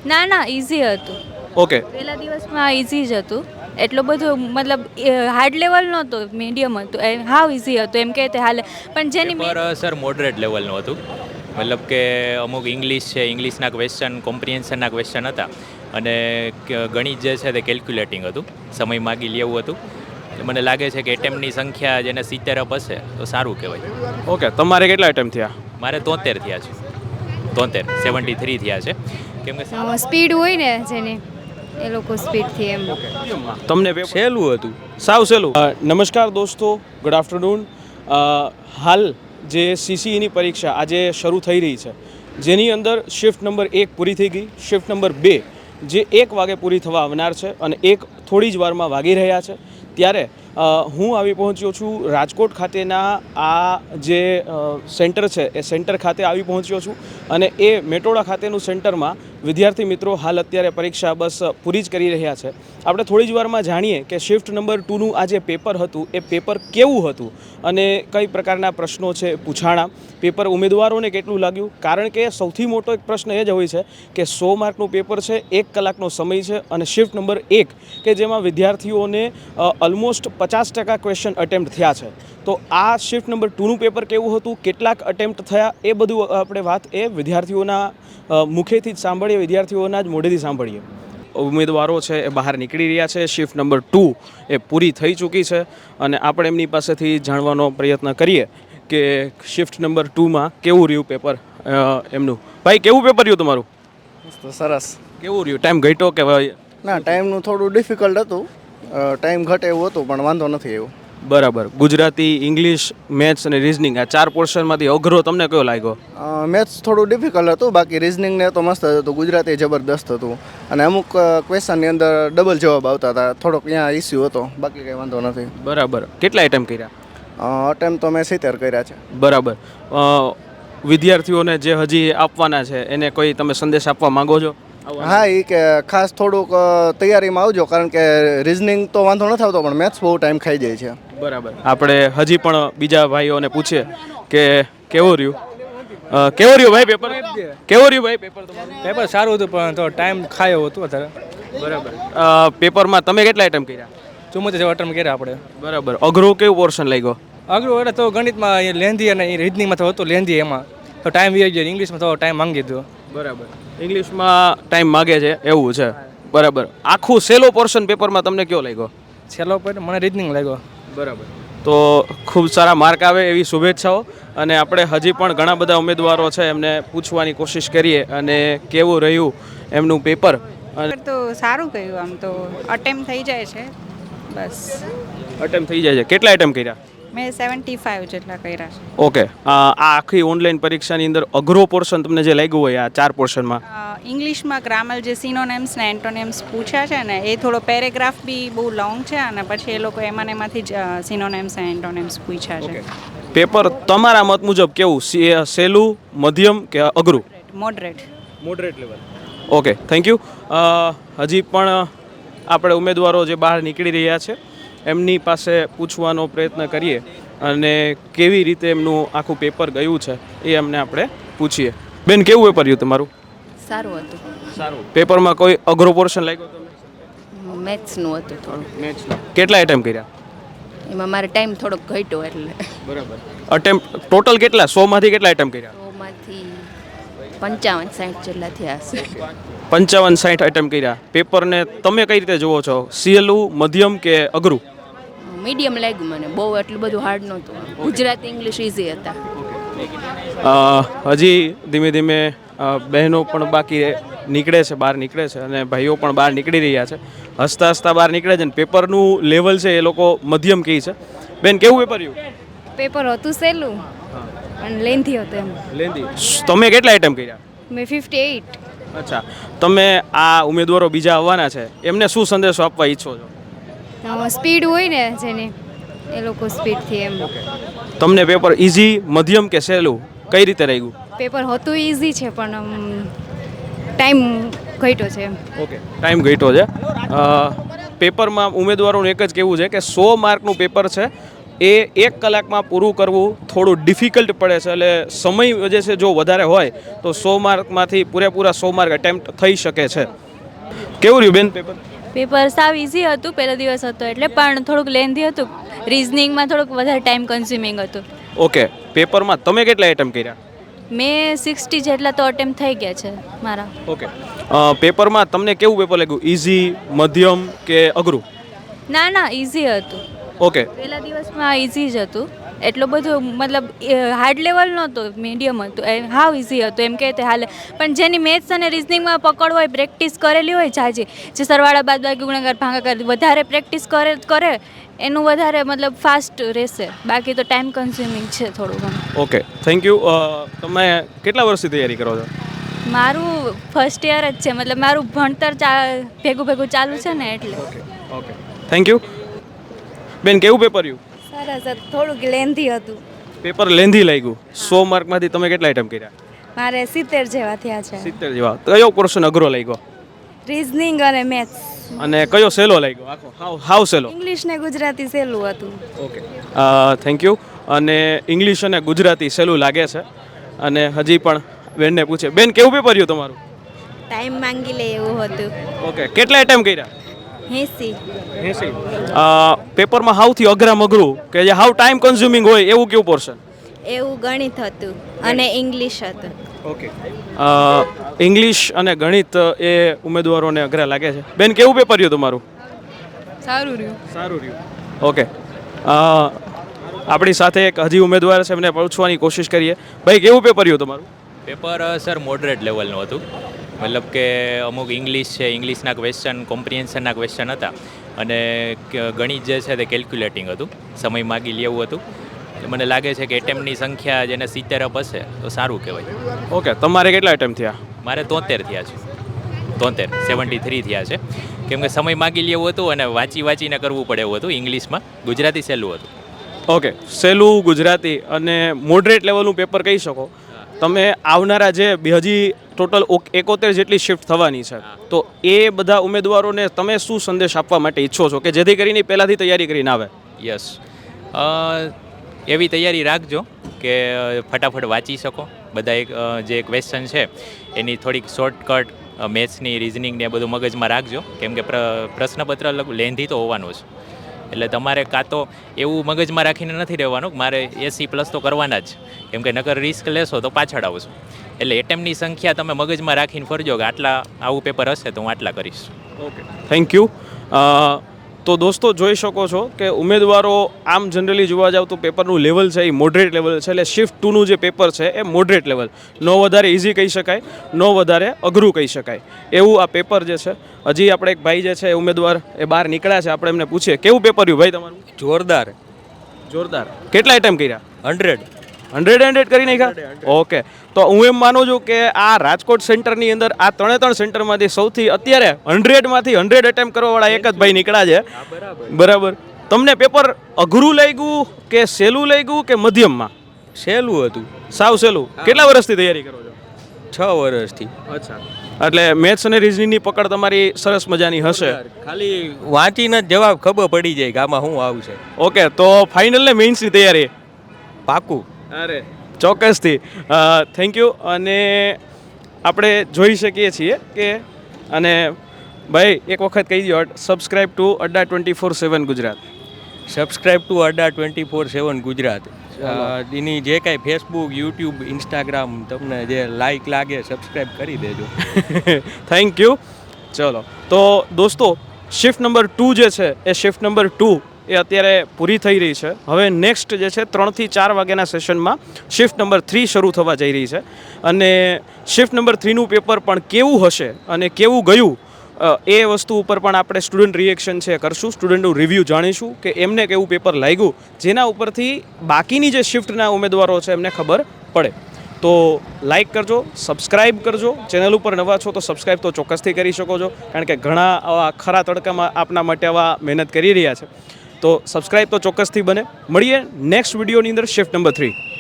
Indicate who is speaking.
Speaker 1: ના ઇઝી હતું.
Speaker 2: ઓકે.
Speaker 1: પહેલા દિવસમાં ઇઝી જ હતું. એટલો બધો મતલબ હાર્ડ લેવલ નહોતો, મીડિયમ હતું. હાવ ઇઝી હતું એમ કહેતે હાલે. પણ જેની
Speaker 3: પેપર સર મોડરેટ લેવલનું હતું. મતલબ કે અમુક ઇંગ્લિશ છે, ઇંગ્લિશના ક્વેશ્ચન, કોમ્પ્રિહેન્શનના ક્વેશ્ચન હતા અને ગણિત જે છે તે કેલ્ક્યુલેટિંગ હતું, સમય માગી લેવું હતું. મને લાગે છે કે એટેમ્પની સંખ્યા જેને 70 અપ હશે તો સારું કહેવાય.
Speaker 2: ઓકે, તમારે કેટલા એટેમ્પ થયા?
Speaker 3: મારે 73 થયા છે. 73 થયા છે. કેમ કે
Speaker 1: સ્પીડ હોય ને જેની, એ લોકો સ્પીડથી એમ.
Speaker 2: તમને સહેલું હતું, સાવ સહેલું. નમસ્કાર દોસ્તો, ગુડ આફ્ટરનૂન. હાલ જે સીસીઈની પરીક્ષા આજે શરૂ થઈ રહી છે, જેની અંદર શિફ્ટ નંબર 1 પૂરી થઈ ગઈ, શિફ્ટ નંબર 2 જે 1 વાગે પૂરી થવા આવનાર છે અને 1 થોડી જ વારમાં વાગી રહ્યા છે. ત્યારે હું આવી પહોંચ્યો છું રાજકોટ ખાતેના આ જે સેન્ટર છે એ સેન્ટર ખાતે આવી પહોંચ્યો છું અને એ મેટોડા ખાતેનું સેન્ટરમાં વિદ્યાર્થી મિત્રો હાલ અત્યારે પરીક્ષા બસ પૂરી જ કરી રહ્યા છે. આપણે થોડી જ વારમાં જાણીએ કે શિફ્ટ નંબર 2નું આ જે પેપર હતું એ પેપર કેવું હતું અને કઈ પ્રકારના પ્રશ્નો છે પૂછાણા, પેપર ઉમેદવારોને કેટલું લાગ્યું. કારણ કે સૌથી મોટો એક પ્રશ્ન એ જ હોય છે કે 100 માર્કનું પેપર છે, 1 કલાકનો સમય છે અને શિફ્ટ નંબર 1 કે જેમાં વિદ્યાર્થીઓને ઓલમોસ્ટ 50% ક્વેશ્ચન અટેમ્પ્ટ થયા છે. તો આ શિફ્ટ નંબર 2નું પેપર કેવું હતું, કેટલાક અટેમ્પ્ટ થયા, એ બધું આપણે વાત એ વિદ્યાર્થીઓના મુખેથી જ સાંભળીએ, વિદ્યાર્થીઓના જ મોઢેથી સાંભળીએ. ઉમેદવારો છે એ બહાર નીકળી રહ્યા છે. શિફ્ટ નંબર 2 એ પૂરી થઈ ચૂકી છે અને આપણે એમની પાસેથી જાણવાનો પ્રયત્ન કરીએ કે શિફ્ટ નંબર 2માં કેવું રહ્યું પેપર એમનું. ભાઈ, કેવું પેપર રહ્યું તમારું?
Speaker 4: સરસ.
Speaker 2: કેવું રહ્યું? ટાઈમ ઘટ્યો કે ભાઈ?
Speaker 4: ના, ટાઈમનું થોડું ડિફિકલ્ટ હતું, ટાઈમ ઘટે એવું હતું પણ વાંધો નથી એવું.
Speaker 2: બરાબર. ગુજરાતી, ઇંગ્લિશ, મેથ્સ અને રિઝનિંગ આ 4 પોર્શનમાંથી અઘરો તમને કયો લાગ્યો?
Speaker 4: મેથ્સ થોડું ડિફિકલ્ટ હતું, બાકી રિઝનિંગને તો મસ્ત હતું, ગુજરાતી જબરદસ્ત હતું અને અમુક ક્વેશ્ચનની અંદર ડબલ જવાબ આવતા હતા, થોડોક અહીંયા ઇસ્યુ હતો, બાકી કંઈ વાંધો નથી.
Speaker 2: બરાબર. કેટલા એટેમ્પ કર્યા?
Speaker 4: અટેમ્પ તો મેં 70 કર્યા છે.
Speaker 2: બરાબર. વિદ્યાર્થીઓને જે હજી આપવાના છે એને કોઈ તમે સંદેશ આપવા માંગો છો?
Speaker 4: હા, એ કે ખાસ થોડુંક તૈયારીમાં આવજો, કારણ કે રિઝનિંગ તો વાંધો નથી આવતો પણ મેથ્સ બહુ ટાઈમ ખાઈ જાય છે.
Speaker 2: બરાબર. આપણે હજી પણ બીજા ભાઈઓને પૂછીએ કે કેવું રહ્યું? કેવું રહ્યું ભાઈ પેપર? કેવું રહ્યું ભાઈ પેપર તમારું?
Speaker 5: પેપર સારું હતું પણ તો ટાઈમ ખાય એવું હતું અત્યારે.
Speaker 2: બરાબર. પેપરમાં તમે કેટલા આઈટમ કર્યા?
Speaker 5: 74 અટેમ્પ કર્યા આપણે.
Speaker 2: બરાબર. અઘરો કેવું પોર્શન લાગ્યો?
Speaker 5: અઘરું એટલે તો ગણિતમાં લેન્ધી અને રિઝનિંગમાં તો હતું લેન્ધી, એમાં તો ટાઈમ વી ગયો. ઇંગ્લિશમાં તો ટાઈમ માંગી દીધો.
Speaker 2: બરાબર. ઇંગ્લિશમાં ટાઈમ માગે છે એવું છે. બરાબર. આખું સેલો પોર્શન પેપરમાં તમને કયો લાગ્યો?
Speaker 5: છેલ્લો પર મને રિઝનિંગ લાગ્યો.
Speaker 2: બરાબર. તો ખૂબ સારા માર્ક આવે એવી શુભેચ્છાઓ. અને આપણે હજી પણ ઘણા બધા ઉમેદવારો છે એમને પૂછવાની કોશિશ કરીએ અને કેવું રહ્યું એમનું પેપર.
Speaker 6: તો સારું કહ્યું, આમ તો અટેમ્પ થઈ જાય છે બસ.
Speaker 2: અટેમ્પ થઈ જાય છે. કેટલા એટેમ્પ કર્યા?
Speaker 6: મેં 75 જેટલા કર્યા છે.
Speaker 2: ઓકે. આ આખી ઓનલાઈન પરીક્ષાની અંદર અઘરો પોર્શન તમને જે લાગ્યું હોય આ 4 પોર્શનમાં?
Speaker 6: ઇંગ્લિશમાં ગ્રામર જે સિનોનેમ્સ ને એન્ટોનેમ્સ પૂછ્યા છે ને, એ થોડો પેરેગ્રાફ બી બહુ લોંગ છે અને પછી એ લોકો એમાંથી જ સિનોનેમ્સ અને એન્ટોનેમ્સ પૂછ્યા છે.
Speaker 2: પેપર તમારા મત મુજબ કેવું, સહેલું, મધ્યમ કે અઘરું?
Speaker 6: Moderate.
Speaker 2: Moderate level. Okay, thank you. હજી પણ આપણે ઉમેદવારો જે બહાર નીકળી રહ્યા છે એમની પાસે પૂછવાનો પ્રયત્ન કરીએ અને કેવી રીતે એમનું આખું પેપર ગયું છે એ એમને આપણે પૂછીએ. બેન, કેવું પેપર રહ્યું તમારું?
Speaker 7: સારું હતું.
Speaker 2: સારું. પેપરમાં કોઈ અઘરો પોર્શન લાગ્યો તમને?
Speaker 7: મેથ્સનું હતું થોડું.
Speaker 2: મેથ્સનું. કેટલા એટેમ્પ કર્યા?
Speaker 7: એમાં મારે ટાઈમ થોડોક ઘટ્યો એટલે.
Speaker 2: બરાબર. અટેમ્પ ટોટલ કેટલા? 100માંથી કેટલા એટેમ્પ કર્યા?
Speaker 7: 100માંથી 55-60 જેટલા થયા હશે.
Speaker 2: 55-60 એટેમ્પ કર્યા. પેપરને તમે કઈ રીતે જુઓ છો? સહેલું, મધ્યમ કે અઘરું?
Speaker 7: મીડિયમ લાગ્યું મને, બહુ એટલું બધું હાર્ડ નહોતું. ગુજરાતી ઇંગ્લિશ ઇઝી હતા.
Speaker 2: હજી ધીમે ધીમે બહેનો પણ બાકી નીકળે છે, બહાર નીકળે છે અને ભાઈઓ પણ બહાર નીકળી રહ્યા છે. હસતા હસતા બહાર નીકળે છે અને પેપરનું લેવલ છે એ લોકો મધ્યમ કહે છે. બેન, કેવું પેપર રહ્યું?
Speaker 1: પેપર હતું સહેલું અને લેન્થી હતું એમ.
Speaker 2: લેન્ધી. તમે કેટલા આઈટમ કર્યા?
Speaker 1: મેં 58.
Speaker 2: અચ્છા. તમે આ ઉમેદવારો બીજા આવવાના છે એમને શું સંદેશો આપવા ઈચ્છો છો?
Speaker 1: સ્પીડ હોય ને જેની, એ લોકો સ્પીડથી એમ.
Speaker 2: તમને પેપર ઇઝી, મધ્યમ કે સહેલું કઈ રીતે રહ્યું?
Speaker 1: પેપર હતું ઇઝી છે પણ ટાઈમ ઘટ્યો છે એમ.
Speaker 2: ઓકે, ટાઈમ ઘટ્યો છે. પેપરમાં ઉમેદવારોનું એક જ કહેવું છે કે 100 માર્કનું પેપર છે, એ 1 કલાકમાં પૂરું કરવું થોડું ડિફિકલ્ટ પડે છે. એટલે સમય જે છે જો વધારે હોય તો 100 માર્કમાંથી પૂરેપૂરા 100 માર્ક એટેમ્પ્ટ થઈ શકે છે. કેવું રહ્યું બેન પેપર?
Speaker 1: પેપર સાવ ઇઝી હતું પહેલો દિવસ હતો એટલે, પણ થોડુંક લેન્ધી હતું. રિઝનિંગમાં થોડુંક વધારે ટાઈમ કન્ઝ્યુમિંગ હતું.
Speaker 2: ઓકે, પેપરમાં તમે કેટલા એટેમ્પ્ટ કર્યા?
Speaker 1: મેં 60 જેટલા તો અટેમ્પ્ટ થઈ ગયા છે મારા.
Speaker 2: ઓકે, પેપરમાં તમને કેવું પેપર લાગ્યું? ઇઝી, મધ્યમ કે અઘરું?
Speaker 1: ના ઇઝી હતું.
Speaker 2: ઓકે,
Speaker 1: પહેલા દિવસમાં ઇઝી જ હતું. એટલું બધું મતલબ હાર્ડ લેવલ નહોતું, મીડિયમ હતું. હાવ ઇઝી હતું એમ કહેતે હાલે. પણ જેની મેથ્સ અને રિઝનિંગમાં પકડ હોય, પ્રેક્ટિસ કરેલી હોય જાજી, જે સરવાળા બાદબાકી ગુણાકાર ભાગાકાર વધારે પ્રેક્ટિસ કરે એનું વધારે મતલબ ફાસ્ટ રહેશે. બાકી તો ટાઈમ કન્ઝ્યુમિંગ છે થોડું ઘણું.
Speaker 2: Okay, thank you. તમે કેટલા વર્ષથી તૈયારી કરો છો?
Speaker 1: મારું ફર્સ્ટ યર જ છે, મતલબ મારું ભણતર ભેગું ચાલુ છે ને એટલે.
Speaker 2: Okay, thank you. બેન, કેવું પેપર રહ્યું?
Speaker 8: સરસ હતું, થોડુંક લેન્ધી હતું.
Speaker 2: પેપર લેન્ધી લાગ્યું. 100 માર્કમાંથી તમે કેટલા આઈટમ કર્યા?
Speaker 8: મારે 70 જેવા થયા છે.
Speaker 2: 70 જેવા. કયો પોર્શન અઘરો લાગ્યો?
Speaker 8: રીઝનિંગ અને મેથ્સ.
Speaker 2: અને કયો સહેલો લાગ્યો? આખો હાવ સહેલો?
Speaker 8: ઇંગ્લિશ ને ગુજરાતી સહેલું હતું.
Speaker 2: Okay, thank you. અને ઇંગ્લિશ અને ગુજરાતી સહેલું લાગે છે. અને હજી પણ બેનને પૂછે, બેન કેવું પેપર રહ્યું તમારું?
Speaker 8: ટાઈમ માંગી લે એવું હતું.
Speaker 2: ઓકે, કેટલા આઈટમ કર્યા?
Speaker 8: 80.
Speaker 2: પેપરમાં સૌથી અઘરું કે જે હાવ ટાઈમ કન્ઝ્યુમિંગ હોય એવું કેવું પોર્શન?
Speaker 8: એવું ગણિત હતું અને ઇંગ્લિશ હતું.
Speaker 2: ઓકે, ઇંગ્લિશ અને ગણિત એ ઉમેદવારોને અઘરા લાગે છે. બેન, કેવું પેપર રહ્યું તમારું?
Speaker 1: સારું રહ્યું.
Speaker 2: સારું રહ્યું. ઓકે, આપણી સાથે એક હજી ઉમેદવાર છે, એમને પૂછવાની કોશિશ કરીએ. ભાઈ, કેવું પેપર રહ્યું તમારું?
Speaker 3: પેપર સર મોડરેટ લેવલનું હતું. મતલબ કે અમુક ઇંગ્લિશ છે, ઇંગ્લિશના ક્વેશ્ચન, કોમ્પ્રિહેન્શનના ક્વેશ્ચન હતા. અને ગણિત જે છે તે કેલ્ક્યુલેટિંગ હતું, સમય માગી લેવું હતું. એટલે મને લાગે છે કે એટેમ્પની સંખ્યા જેને 70 અપ હશે તો સારું કહેવાય.
Speaker 2: ઓકે, તમારે કેટલા એટેમ્પ થયા?
Speaker 3: મારે 73 થયા છે. 73 થયા છે. કેમ કે સમય માગી લેવું હતું અને વાંચીને કરવું પડે એવું હતું. ઇંગ્લિશમાં, ગુજરાતી સહેલું હતું.
Speaker 2: ઓકે, સહેલું ગુજરાતી અને મોડરેટ લેવલનું પેપર કહી શકો. તમે આવનારા જે હજી ટોટલ 71 જેટલી શિફ્ટ થવાની છે, તો એ બધા ઉમેદવારોને તમે શું સંદેશ આપવા માટે ઈચ્છો છો કે જેથી કરીને પહેલાંથી તૈયારી કરીને આવે?
Speaker 3: યસ, એવી તૈયારી રાખજો કે ફટાફટ વાંચી શકો. બધા જે ક્વેશ્ચન છે એની થોડીક શોર્ટકટ મેથ્સની, રિઝનિંગને બધું મગજમાં રાખજો. કેમ કે પ્રશ્નપત્ર લેન્ધી તો હોવાનું જ. એટલે તમારે કાં તો એવું મગજમાં રાખીને નથી રહેવાનું કે મારે 80+ તો કરવાના જ, કેમ કે નકર રિસ્ક લેશો તો પાછળ આવશો. એટલે એટેમ્પની સંખ્યા તમે મગજમાં રાખીને ફરજો કે આવું પેપર હશે તો હું આટલા કરીશ.
Speaker 2: Okay, thank you. તો દોસ્તો, જોઈ શકો છો કે ઉમેદવારો આમ જનરલી જોવા જાવ તો પેપરનું લેવલ છે એ મોડરેટ લેવલ છે. એટલે શિફ્ટ 2નું જે પેપર છે એ મોડરેટ લેવલ, નો વધારે ઇઝી કહી શકાય, નો વધારે અઘરું કહી શકાય એવું આ પેપર જે છે. હજી આપણે એક ભાઈ જે છે ઉમેદવાર એ બહાર નીકળ્યા છે, આપણે એમને પૂછીએ કેવું પેપર રહ્યું ભાઈ તમારું?
Speaker 5: જોરદાર.
Speaker 2: જોરદાર. કેટલા આઈટમ કર્યા?
Speaker 5: 100
Speaker 2: કરી નાખ્યા. ઓકે, તો હું એમ માનું છું કે આ રાજકોટ સેન્ટરની અંદર આ 3 સેન્ટરમાંથી સૌથી અત્યારે 100માંથી 100 એટેમ્પ કરવાવાળા એક જ ભાઈ નીકળ્યા છે. બરાબર. તમને પેપર અઘરું લાગ્યું કે સહેલું લાગ્યું કે મધ્યમમાં?
Speaker 5: સહેલું હતું.
Speaker 2: સાવ સહેલું. કેટલા વર્ષથી તૈયારી કરો છો?
Speaker 5: 6 વર્ષથી.
Speaker 2: અચ્છા, એટલે મેથ્સ અને રિઝનિંગની પકડ તમારી સરસ મજાની હશે.
Speaker 5: ખાલી વાંચીને જ જવાબ ખબર પડી જાય કે આમાં શું આવશે.
Speaker 2: ઓકે, તો ફાઇનલ ને મેઇન્સની તૈયારી?
Speaker 5: પાકું.
Speaker 2: અરે ચોક્કસથી. Thank you. અને આપણે જોઈ શકીએ છીએ કે અને ભાઈ એક વખત કહી દો, subscribe to Adda 24/7 Gujarat.
Speaker 5: Subscribe to Adda 24/7 Gujarat. એની જે કાંઈ ફેસબુક, યુટ્યુબ, ઇન્સ્ટાગ્રામ તમને જે લાઈક લાગે સબસ્ક્રાઇબ કરી દેજો.
Speaker 2: Thank you. ચલો, તો દોસ્તો, શિફ્ટ નંબર 2 જે છે એ શિફ્ટ નંબર 2 એ અત્યારે પૂરી થઈ રહી છે. હવે નેક્સ્ટ જે છે 3 થી 4 વાગ્યાના સેશનમાં શિફ્ટ નંબર 3 શરૂ થવા જઈ રહી છે. અને શિફ્ટ નંબર 3નું પેપર પણ કેવું હશે અને કેવું ગયું એ વસ્તુ ઉપર પણ આપણે સ્ટુડન્ટ રિએક્શન છે કરશું, સ્ટુડન્ટનું રિવ્યૂ જાણીશું કે એમને કેવું પેપર લાગ્યું, જેના ઉપરથી બાકીની જે શિફ્ટના ઉમેદવારો છે એમને ખબર પડે. તો લાઇક કરજો, સબસ્ક્રાઇબ કરજો. ચેનલ ઉપર નવા છો તો સબસ્ક્રાઇબ તો ચોક્કસથી કરી શકો છો, કારણ કે ઘણા આવા ખરા તડકામાં આપના માટે આવા મહેનત કરી રહ્યા છે. તો સબસ્ક્રાઇબ તો ચોક્કસથી બને. મળીએ નેક્સ્ટ વિડીયોની અંદર શિફ્ટ નંબર 3.